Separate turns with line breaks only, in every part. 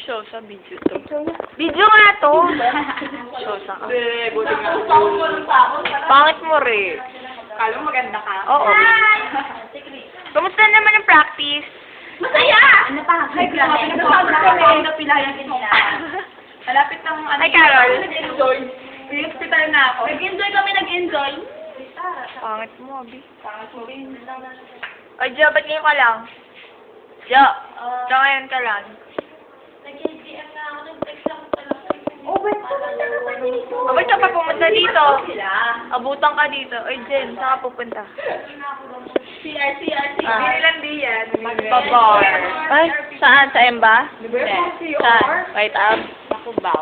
show sa video to. Video nga to. Show sa ka.
Buti nga.
Pangit mo rin.
Kala mo maganda ka?
Oo. Kumusta naman ang practice?
Masaya! Ano pa? Hi, grabe. Napilayan kita. Malapit ng ano.
Hi, Carol.
Nag-enjoy. Hospital na ako. Nag-enjoy kami, nag-enjoy.
Pangit mo, Abi.
Pangit mo rin.
Ay, Jo, ba't ngayon ka lang? Jo, Jo, ngayon ka lang.
Nag-JDM na ako, nag-text lang pala. Oh, ba't pumunta ka pa dito?
O, ba't ka pa pumunta dito?
Sila.
Abutan ka dito. Oy, Jen, saan ka pupunta?
CR.
Ah.
Hindi lang di yan.
Babar. Ay, saan? Sa Emba?
CR.
Saan? Right up?
Nakubaw.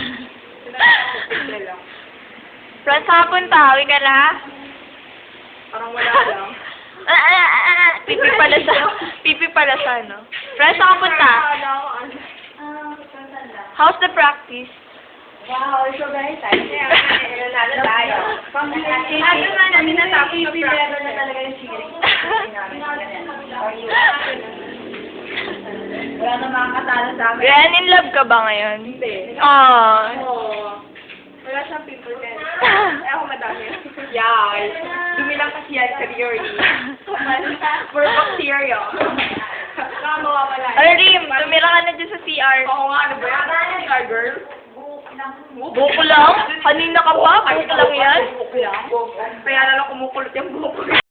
Friends, saan ka punta? Uwi ka na?
Parang wala lang.
Pipi pala sa ano. Friends, saan ka punta? How's the practice?
Wow, so very excited. Nanalo tayo. Ano nga namin natapos sa level na talaga yung cheering. Wala na makakatalo sa amin.
Yan, in love ka ba ngayon?
Hindi.
Ah.
Oo. Wala siyang people din. Eh, ako madami. Yay. Dumi lang kasi yan sa theory. Puro bacteria. Baka mawawala.
Ay, Rim, tumira ka na dyan sa CR.
Oo nga, ano ba yan? CR girl?
Buko lang? Kanina ka pa? Buko lang yan?
Buko lang. Kaya lang kumukulot yung buko.